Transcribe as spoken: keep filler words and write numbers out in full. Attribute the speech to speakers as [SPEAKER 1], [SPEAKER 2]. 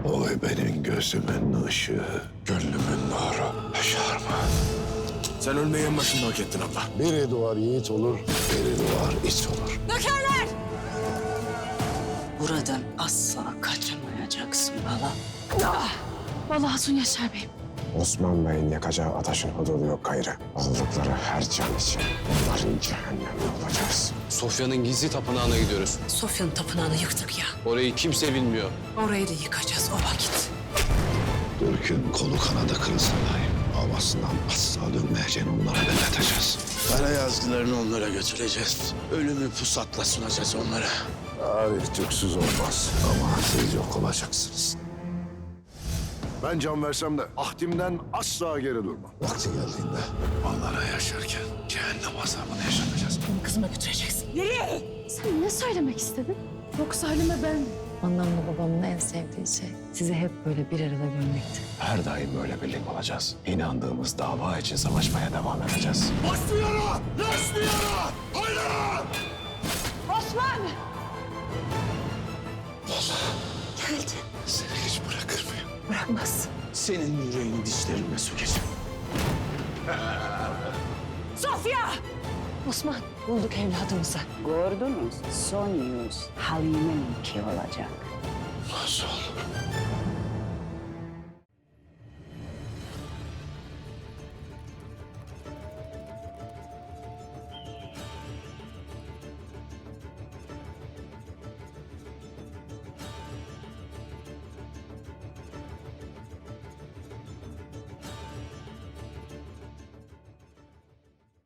[SPEAKER 1] Oy benim gözümün ışığı, gönlümün nuru. Yaşarma.
[SPEAKER 2] Sen ölmeyi en başında hak ettin abla.
[SPEAKER 1] Biri doğar yiğit olur, biri doğar iç olur.
[SPEAKER 3] Nökerler! Buradan asla kaçamayacaksın bala.
[SPEAKER 4] Ah! Vallahi Hatun Yaşar Bey.
[SPEAKER 5] Osman Bey'in yakacağı ateşin hududu yok gayrı. Aldıkları her can için onların cehennemde olacağız.
[SPEAKER 6] Sofya'nın gizli tapınağına gidiyoruz.
[SPEAKER 3] Sofya'nın tapınağını yıktık ya.
[SPEAKER 6] Orayı kimse bilmiyor.
[SPEAKER 3] Orayı da yıkacağız o vakit.
[SPEAKER 1] Türk'ün kolu kanadı kırılsa dahi havasından asla dönmeyeceğini onlara belirteceğiz.
[SPEAKER 2] Kara yazgılarını onlara götüreceğiz. Ölümü pusatla sunacağız onlara.
[SPEAKER 1] Tarih Türksüz olmaz ama siz yok olacaksınız. Ben can versem de ahdimden asla geri durmam. Vakti geldiğinde onlara yaşarken cehennem azabını yaşatacağız.
[SPEAKER 3] Bunu kızıma götüreceksin.
[SPEAKER 4] Sen ne söylemek istedin? Yoksa Halime ben...
[SPEAKER 7] Annemle babamın en sevdiği şey sizi hep böyle bir arada görmekti.
[SPEAKER 5] Her daim böyle birlik olacağız. İnandığımız dava için savaşmaya devam edeceğiz.
[SPEAKER 2] Başlayalım! Başlayalım! Haydi!
[SPEAKER 4] Osman!
[SPEAKER 3] Geldi.
[SPEAKER 1] Seni hiç bırakır mıyım?
[SPEAKER 3] Bırakmaz.
[SPEAKER 2] Senin yüreğini dişlerimle sökeceğim.
[SPEAKER 3] Sofya!
[SPEAKER 7] Osman, bulduk evladımızı.
[SPEAKER 8] Gördünüz, son yüz Halime'ninki olacak.
[SPEAKER 1] Nasıl olur?